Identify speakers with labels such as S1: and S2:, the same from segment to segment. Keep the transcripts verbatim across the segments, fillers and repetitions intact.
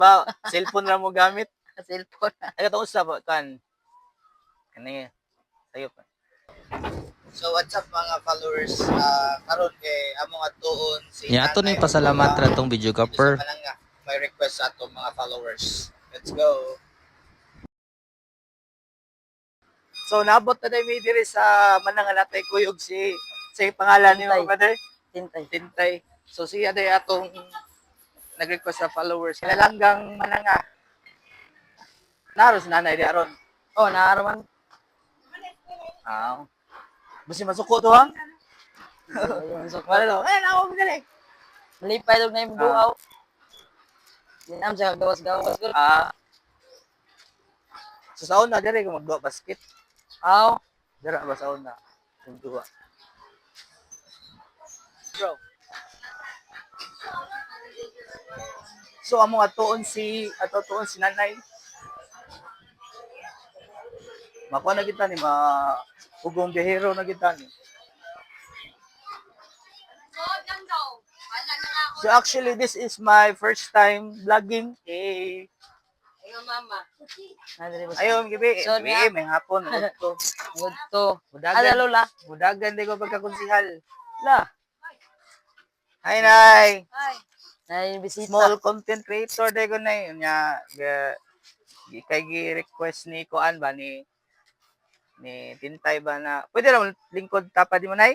S1: Ba, cellphone ra mo gamit.
S2: Cellphone.
S1: Ay katong usa ba kan. Kani sayo pa. So what's up mga followers? Uh, karon kay among atuon si
S3: Ya ato ni pasalamat ra tong video
S1: Kapper.
S3: kapper.
S1: May request sa ato mga followers. Let's go. So naabot na tayo diri sa manangan natay kuyog si sa pangalan ni
S2: Tintay.
S1: brother
S2: Tintay.
S1: Tintay. So siya day atong nag-request sa followers. Kalanggang mananga. Naros nanay di aron.
S2: Oh, naaraman.
S1: Ah. Basi masuko to ha?
S2: So,
S1: Wala daw. Eh, ako mo dali.
S2: malipay dog na yung buaw. Dinam sa gawas-gawas ko.
S1: Ah. So sa una diri ko magduwa basket.
S2: Aw.
S1: Dira ba sa una? Magduwa. Bro. So among atuon si ato tuon si nanay. Makuha na kita ni ma ugong bihero na kita ni. So actually this is my first time vlogging. Eh
S2: Ayo mama.
S1: ayo gibi,
S2: So,
S1: gibi may hapon udto.
S2: Good to. Ada
S1: Budagan,
S2: lola.
S1: budagan di ko pagkakonsihal.
S2: La.
S1: Hi nay.
S2: Hi. Nay bisita.
S1: Small content creator di ko nay nya ga gi- kay gi-request ni Kuan ba ni ni Tintay ba na pwede ra mo lingkod tapa di mo nay?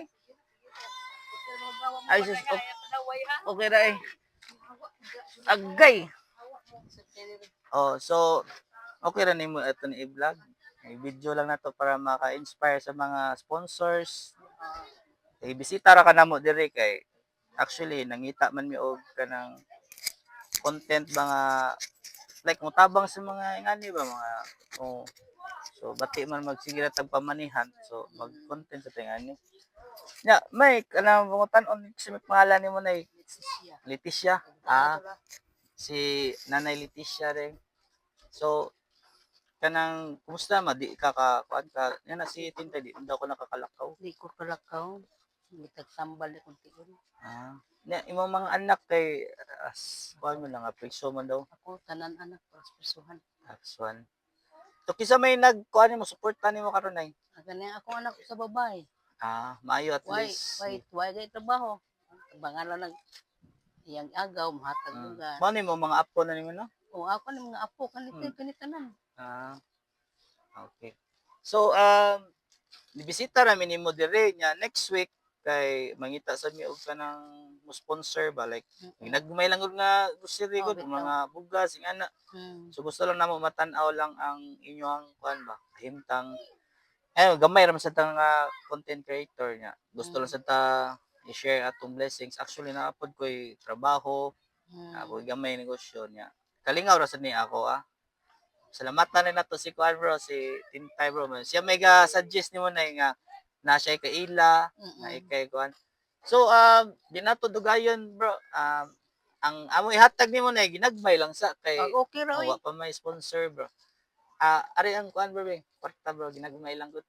S1: Ay sus, ok- okay ra eh. Agay. Oh, so okay ra nimo ito ni i-vlog. I-video lang nato para maka-inspire sa mga sponsors. Eh, bisita ra ka namo diri kay actually nangita man mi og kanang content mga like mutabang sa mga ingani ba mga oh, so bati man magsigira tag pamanihan so mag content sa tingani. Ya, may kanang mga tan-on si may pangalan nimo nay Leticia. Ah, si Nanay Leticia rin. So, kanang, kumusta ma? Di ka ka, kuan ka, yan na si Tintay, di daw ko nakakalakaw.
S2: Di ko kalakaw. Gitagsambal ni kunti ko.
S1: Ah, na, imong mga anak kay, as, kuan mo lang, apreso man daw.
S2: Ako tanan anak para sa persuhan.
S1: That's one. So, kisa may nag, kuan mo, supportan nimo karon ay.
S2: Agani ako anak ko sa babae.
S1: Ah, maayo at
S2: Why,
S1: least.
S2: why, why gay trabaho? Bangalan nag iyang agaw mahatag
S1: Hmm.
S2: lugar.
S1: Mao nimo mga apo na nimo no?
S2: O ako ni mga apo kanito
S1: Hmm.
S2: kanitanan.
S1: Ah, okay. So, um, nibisita namin ni mo dire nya next week kay mangita sa mi og kanang mo sponsor ba like ginagmay lang gud nga grocery
S2: Oh,
S1: gud
S2: bitaw.
S1: mga bugas ing ana.
S2: Hmm.
S1: So gusto lang namo matan-aw lang ang inyong kuan ba himtang eh gamay ra man sa tang ah, content creator nya. Gusto lang sa ta i-share atong blessings. Actually naapod ko'y trabaho,
S2: Hmm.
S1: ako gamay negosyo niya. Kalingaw ra sad ni ako ah. Salamatan na nato si Kuan bro, si Tintay bro. Siya may ga suggest nimo na nga na siya kay ila, na
S2: Mm-mm.
S1: ikay Kuan. So um di nato dugayon bro. Um ang amo ihatag nimo na ginagmay lang sa kay
S2: Ah, okay ra
S1: oh,
S2: oy.
S1: wa pa may sponsor bro. Ah ari ang Kuan bro, be. Kwarta bro, ginagmay lang gud.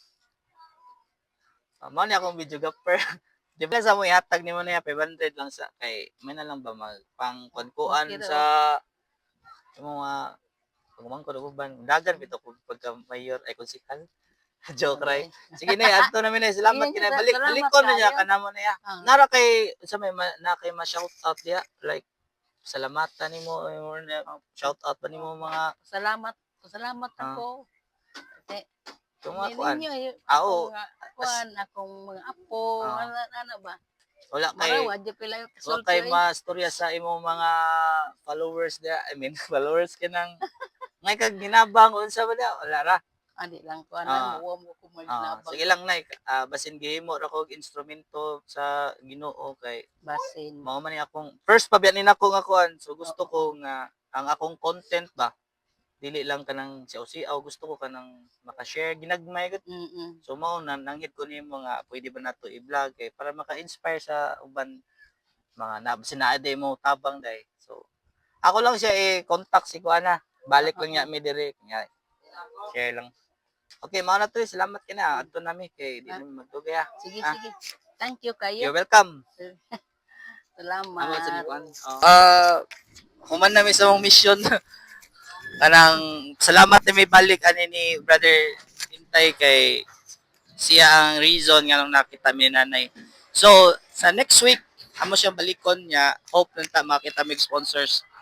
S1: Uh, mao ni akong video gapper. Di ba sa mo ihatag nimo na five hundred lang sa kay may na lang ba mag pang kuan
S2: Okay ra,
S1: sa yung mga pagmang ko uban dagan bitaw ko pagka mayor ay konsikal. Joke right. Sige na, adto na mi na salamat
S2: Sige,
S1: kinay
S2: sa-
S1: balik
S2: salamat
S1: balik ko na niya
S2: kayo.
S1: kanamo na ya.
S2: Ah.
S1: Nara kay sa may ma- na kay ma-shout out diya like salamatan nimo or shout out pa nimo mga
S2: Salamat. Salamat
S1: Ah.
S2: ako. Kasi
S1: yung mga kuan.
S2: ninyo eh,
S1: Ah, oo.
S2: akong, ah, kuan akong mga apo,
S1: Ah.
S2: ano, ano ba?
S1: Wala kay
S2: Marawa di pila yung
S1: wala
S2: kasulti.
S1: kay
S2: oy.
S1: mastorya sa imong mga followers diya. I mean followers kinang ngay kag ginabang unsa ba diya? Wala ra.
S2: Adi lang ko
S1: Ah.
S2: ana mo mo ko
S1: Ah,
S2: maglabang.
S1: sige lang nay, ah, basin gihimo ra kog instrumento sa Ginoo kay
S2: Basin.
S1: mao man ni akong first pabiyanin ako nga kuan. So gusto ko nga ang akong content ba dili lang kanang siaw-siaw, gusto ko kanang maka-share ginagmay gud.
S2: Mm.
S1: So mao na nanghit ko nimo nga pwede ba nato i-vlog kay para maka-inspire sa uban mga na sinaade mo tabang day. So ako lang siya i-contact si kuana. Balik lang niya mi dire nya share lang. Okay, mao na to. Salamat kina. Adto nami kay di na magdugay ah.
S2: Sige,
S1: Ah.
S2: sige. Thank you kayo.
S1: You're welcome. Amo sa
S2: Salamat.
S1: kuan. Ah, human na may sa mong mission. Kanang salamat na may balik ani ni Brother Intay kay siya ang reason nga nung nakita mi ni nanay. So, sa next week, amo siyang balikon niya. Hope nang ta makita mig sponsors